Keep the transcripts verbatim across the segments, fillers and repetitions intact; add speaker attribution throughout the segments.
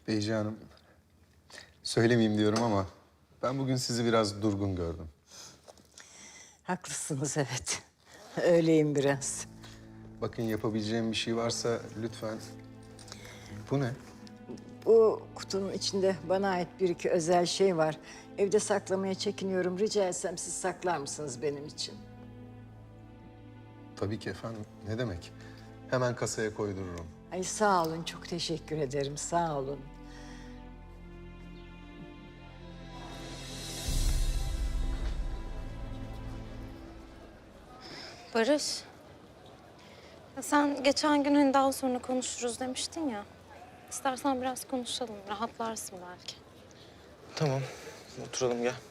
Speaker 1: Beyci Hanım, söylemeyeyim diyorum ama ben bugün sizi biraz durgun gördüm.
Speaker 2: Haklısınız evet. Öyleyim biraz.
Speaker 1: Bakın yapabileceğim bir şey varsa lütfen. Bu ne?
Speaker 2: Bu kutunun içinde bana ait bir iki özel şey var. Evde saklamaya çekiniyorum. Rica etsem siz saklar mısınız benim için?
Speaker 1: Tabii ki efendim. Ne demek? Hemen kasaya koydururum.
Speaker 2: Ay sağ olun, çok teşekkür ederim. Sağ olun.
Speaker 3: Barış. Ya sen geçen gün hani daha sonra konuşuruz demiştin ya. İstersen biraz konuşalım, rahatlarsın belki.
Speaker 4: Tamam, oturalım gel.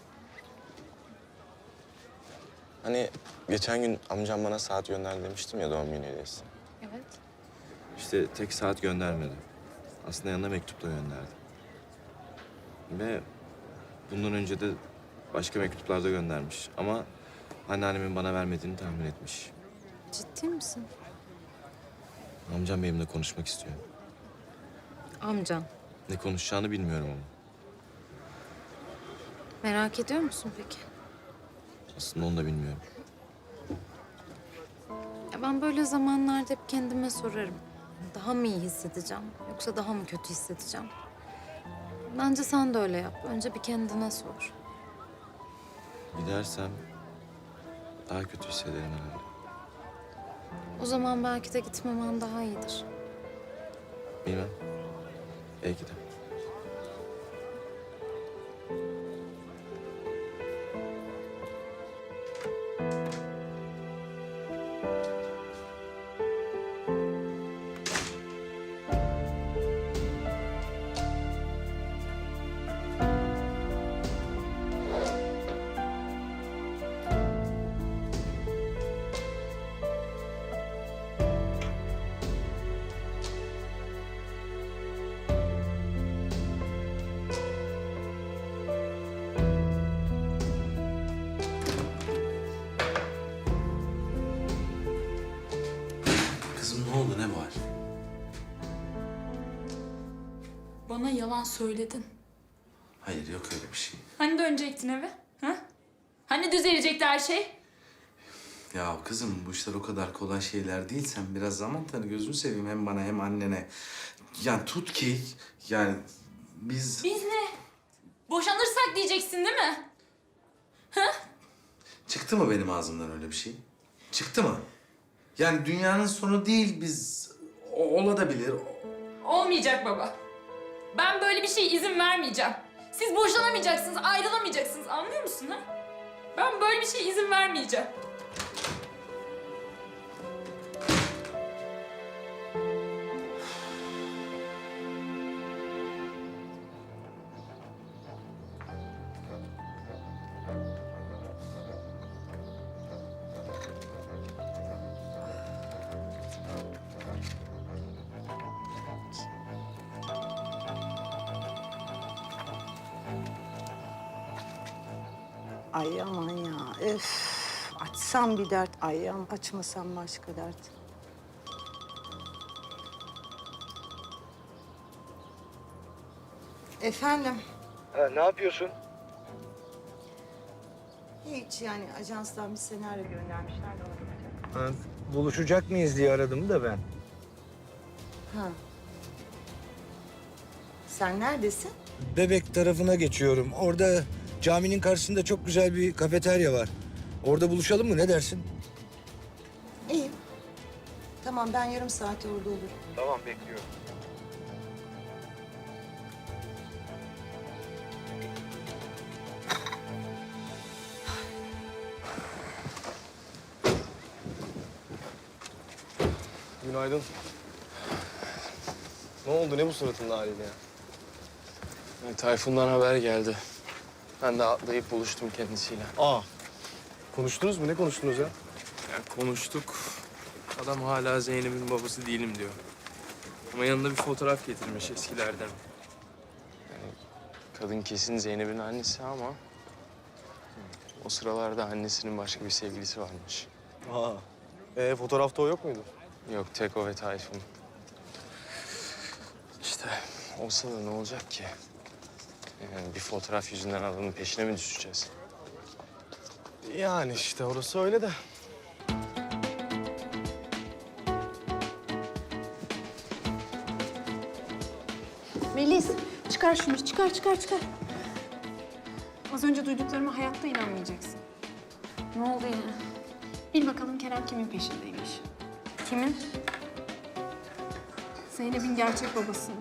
Speaker 4: Hani geçen gün amcam bana saat gönderdi demiştim ya, doğum günü hediyesi.
Speaker 3: Evet.
Speaker 4: İşte tek saat göndermedi. Aslında yanına mektup da gönderdi. Ve bundan önce de başka mektuplar da göndermiş. Ama anneannemin bana vermediğini tahmin etmiş.
Speaker 3: Ciddi misin?
Speaker 4: Amcam benimle konuşmak istiyor.
Speaker 3: Amcan.
Speaker 4: Ne konuşacağını bilmiyorum ama.
Speaker 3: Merak ediyor musun peki?
Speaker 4: Aslında onu da bilmiyorum.
Speaker 3: Ya ben böyle zamanlarda hep kendime sorarım. Daha mı iyi hissedeceğim yoksa daha mı kötü hissedeceğim? Bence sen de öyle yap. Önce bir kendine sor.
Speaker 4: Gidersem daha kötü hissederim herhalde.
Speaker 3: O zaman belki de gitmemen daha iyidir.
Speaker 4: Bilmem. Belki de.
Speaker 5: Kızım ne oldu, ne var?
Speaker 6: Bana yalan söyledin.
Speaker 5: Hayır, yok öyle bir şey.
Speaker 6: Hani dönecektin eve? Ha? Hani düzelecekti her şey?
Speaker 5: Ya kızım bu işler o kadar kolay şeyler değil. Sen biraz zaman tanı, gözünü seveyim hem bana hem annene. Yani tut ki yani biz...
Speaker 6: Biz ne? Boşanırsak diyeceksin değil mi?
Speaker 5: Çıktı mı benim ağzımdan öyle bir şey? Çıktı mı? Yani dünyanın sonu değil, biz... O, ola da bilir.
Speaker 6: Olmayacak baba. Ben böyle bir şeye izin vermeyeceğim. Siz boşanamayacaksınız, ayrılamayacaksınız. Anlıyor musun ha? Ben böyle bir şeye izin vermeyeceğim.
Speaker 2: Ay aman ya, öf. Açsam bir dert, ay aman açmasam başka dert. Efendim?
Speaker 7: Ha, ne yapıyorsun?
Speaker 2: Hiç yani ajanstan bir senaryo göndermişler de ona bakacağım.
Speaker 7: Ha, buluşacak mıyız diye aradım da ben.
Speaker 2: Ha. Sen neredesin?
Speaker 7: Bebek tarafına geçiyorum. Orada caminin karşısında çok güzel bir kafeterya var. Orada buluşalım mı, ne dersin?
Speaker 2: İyiyim. Tamam, ben yarım saate orada olurum.
Speaker 7: Tamam, bekliyorum.
Speaker 8: Günaydın. Ne oldu? Ne bu suratın haliyle ya?
Speaker 4: Yani Tayfun'dan haber geldi. Ben de atlayıp buluştum kendisiyle.
Speaker 8: Aa. Konuştunuz mu? Ne konuştunuz ya?
Speaker 4: Ya konuştuk. Adam hala Zeynep'in babası değilim diyor. Ama yanında bir fotoğraf getirmiş eskilerden. Yani kadın kesin Zeynep'in annesi ama... o sıralarda annesinin başka bir sevgilisi varmış.
Speaker 8: Aa. Ee, fotoğrafta o yok muydu?
Speaker 4: Yok, tek o ve Tayfun. İşte olsa da ne olacak ki? Yani bir fotoğraf yüzünden adamın peşine mi düşeceğiz?
Speaker 8: Yani işte orası öyle de.
Speaker 9: Melis, çıkar şunu, çıkar, çıkar, çıkar. Az önce duyduklarıma hayatta inanmayacaksın.
Speaker 3: Ne oldu yine?
Speaker 9: Bil bakalım Kerem kimin peşindeymiş.
Speaker 3: Kimin?
Speaker 9: Zeynep'in gerçek babasının.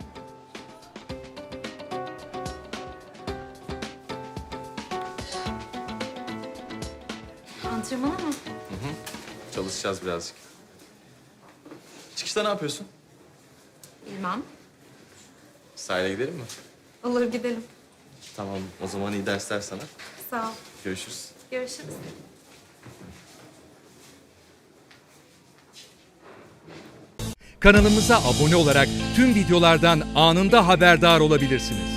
Speaker 3: Antrenmana mı?
Speaker 4: Çalışacağız birazcık. Çıkışta ne yapıyorsun?
Speaker 3: Bilmem.
Speaker 4: Sahile gidelim mi?
Speaker 3: Olur gidelim.
Speaker 4: Tamam, o zaman iyi dersler sana.
Speaker 3: Sağ ol.
Speaker 4: Görüşürüz.
Speaker 3: Görüşürüz.
Speaker 10: Kanalımıza abone olarak tüm videolardan anında haberdar olabilirsiniz.